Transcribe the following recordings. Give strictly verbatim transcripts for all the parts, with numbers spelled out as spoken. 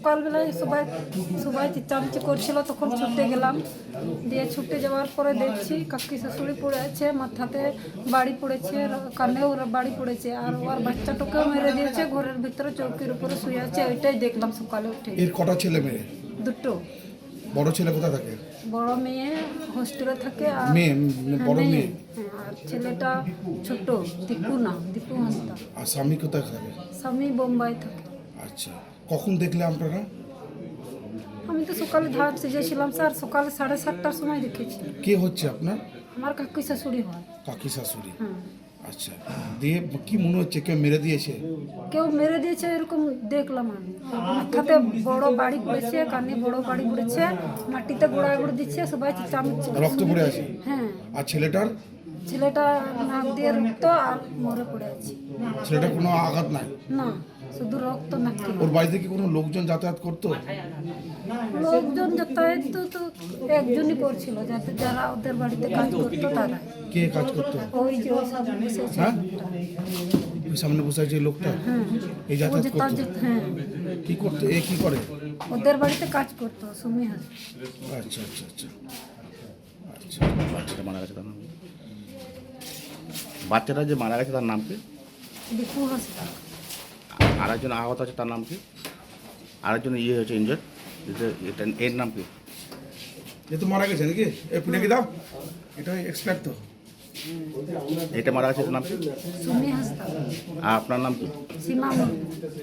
সকালবেলায় সবাই সবাই চেঁচামেচি করছিল, তখন ছুটে গেলাম। দিয়ে ছুটে যাওয়ার পরে দেখছি কাকি শাশুড়ি পড়ে আছে, মাথাতে বাড়ি পড়েছে, কানেও বাড়ি পড়েছে, আর ওর বাচ্চাটাকেও মেরে দিয়েছে, ঘরের ভিতরে চৌকির উপরে শুয়ে আছে। ওইটাই দেখলাম সকালে উঠে। এর কটা ছেলে মেয়ে? দুটো। বড় ছেলে কোথায় থাকে? বড় মেয়ে হোস্টেলে থাকে, আর মেয়ে বড় হ্যাঁ, মেয়ে হ্যাঁ, আর ছেলেটা ছোট, দীপু না, দীপু হাঁসদা। আর স্বামী কোথায় থাকে? স্বামী বোম্বাই থাকে। আচ্ছা, কখন দেখলে আপনারা? আমি তো সকালে ধান সিজেছিলাম স্যার, সকালে সাড়ে সাতটার সময় দেখেছি। কে হচ্ছে আপনার? আমার কাকি শাশুড়ি হয়। কাকি শাশুড়ি? হ্যাঁ। আচ্ছা, দিয়ে কি মনে হচ্ছে কেউ মেরে দিয়েছে? কেউ মেরে দিয়েছে এরকম দেখলাম আমি। মাথাতে বড় বাড়ি পড়েছে, কানে বড় বাড়ি পড়েছে, মাটিতে গোড়ায় গোড়ে দিচ্ছে, সবাই চামচ রক্ত পড়ে আছে? হ্যাঁ। আর ছেলেটার? ছেলেটা নাক দিয়ে রক্ত আর মরে পড়ে আছে। ছেলেটার কোনো আঘাত নাই? না, শুধু রক্ত নাকি। ওর বাড়িতে কি কোনো লোকজন যাতায়াত করতো? লোকজন যাতায়াত তো তো একজনই করছিল, যাতে যারা ওদের বাড়িতে কাজ করতো তারা। কে কাজ করতো? ওই যে ওই সামনে বসে আছে হ্যাঁ? লোকটা। ওই সামনে বসে আছে যে লোকটা? হ্যাঁ, এই ও যাতায়াত যেটা করতো? যে- হ্যাঁ, কি করতো? এ কি করে? ওদের বাড়িতে কাজ করতো, সুমি হাস। আচ্ছা আচ্ছা আচ্ছা আচ্ছা। বাচ্চাটা মারা গেছে তার নাম কি? বাচ্চাটা যে মারা গেছে তার নাম কি? দীপু হাসদা। আর একজন আহত আছে তার নাম কি? আরেকজন ইয়ে হয়েছে ইনজার্ড, এটা এর নাম কি? এ তো মারা গেছে নাকি? এ পুনে কি দাও? এটা এক্সপার্ট তো। এটা মারা গেছে এটার নাম কি? সুমি হাসদা। আর আপনার নাম কি? সীমা মণ্ডল।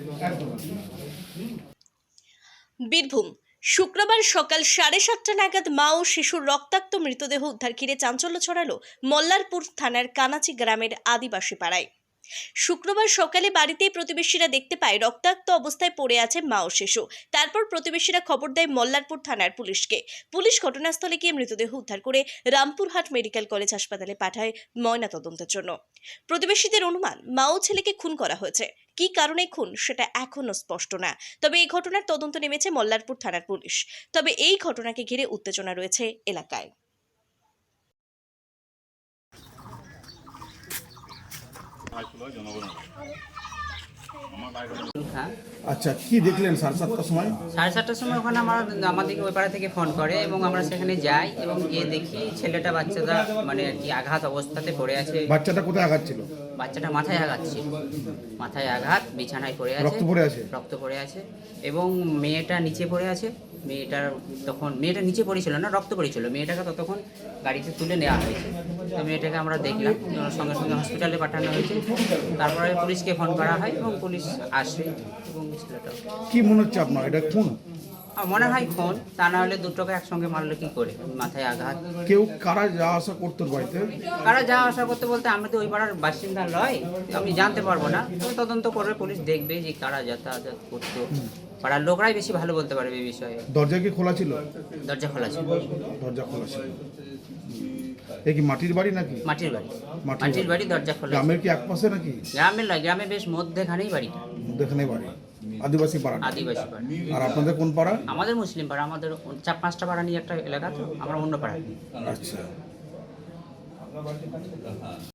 বীরভূম। শুক্রবার সকাল সাড়ে সাতটা নাগাদ মা ও শিশুর রক্তাক্ত মৃতদেহ উদ্ধার ঘিরে চাঞ্চল্য ছড়ালো মল্লারপুর থানার কানাচি গ্রামের আদিবাসী পাড়ায়। শুক্রবার সকালে বাড়িতেই প্রতিবেশীরা দেখতে পায় রক্তাক্ত অবস্থায় পড়ে আছে মা ও শিশু। তারপর প্রতিবেশীরা খবর দেয় মল্লারপুর থানার পুলিশকে। পুলিশ ঘটনাস্থলে গিয়ে মৃতদেহ উদ্ধার করে রামপুরহাট মেডিকেল কলেজ হাসপাতালে পাঠায় ময়নাতদন্তের জন্য। প্রতিবেশীদের অনুমান মা ও ছেলেকে খুন করা হয়েছে। কি কারণে খুন সেটা এখনো স্পষ্ট না। তবে এই ঘটনার তদন্ত নেমেছে মল্লারপুর থানার পুলিশ। তবে এই ঘটনাকে ঘিরে উত্তেজনা রয়েছে এলাকায়। আচ্ছা, কি দেখলেন সাড়ে সাতটার সময়? সাড়ে সাতটার সময় ওখানে আমার আমাদেরকে ওই পাড়া থেকে ফোন করে এবং আমরা সেখানে যাই এবং গিয়ে দেখি ছেলেটা বাচ্চাটা মানে আর কি আঘাত অবস্থাতে পড়ে আছে। বাচ্চাটা কোথায় আঘাত ছিল? বাচ্চাটা মাথায় আঘাত ছিল, মাথায় আঘাত, বিছানায় পড়ে আছে, রক্ত পড়ে আছে? রক্ত পড়ে আছে এবং মেয়েটা নিচে পড়ে আছে। মেয়েটার তখন মেয়েটা নিচে পড়েছিল না, রক্ত পড়েছিল। মেয়েটাকে ততক্ষণ গাড়িতে তুলে নেওয়া হয়েছে। তো মেয়েটাকে আমরা দেখলাম, সঙ্গে সঙ্গে হসপিটালে পাঠানো হয়েছে। তারপরে পুলিশকে ফোন করা হয় এবং পুলিশ আসে এবং ছেলেটা কি মনে হচ্ছে আপনার, এটা খুন? আমার মনে হয় খুন, তা না হলে দুটোকে একসঙ্গে মারলে কি করে? মাথায় আঘাত। কেউ কারা যাওয়া আসা করতো বাড়িতে? কারা যাওয়া আসা করতে বলতে আমি তো ওই পাড়ার বাসিন্দা নয়, আমি জানতে পারবো না। তবে তদন্ত করবে, পুলিশ দেখবে যে কারা যাতায়াত করতো। পাড়ার লোকরাই বেশি ভালো বলতে পারবে এই বিষয়ে। দরজা কি খোলা ছিল? দরজা খোলা ছিল। দরজা খোলা ছিল। এ কি মাটির বাড়ি নাকি? মাটির বাড়ি। মাটির মাটির বাড়ি, দরজা খোলা। গ্রামের কি একপাশে নাকি? গ্রামের নয়, গ্রামে বেশ মধ্যেখানেই বাড়িটা। মধ্যখানে বাড়ি, আদিবাসী পাড়া। আদিবাসী পাড়া। আর আপনাদের কোন পাড়া? আমাদের মুসলিম পাড়া। আমাদের চার পাঁচটা পাড়া নিয়ে একটা এলাকা, তো আমরা অন্য পাড়া। আচ্ছা।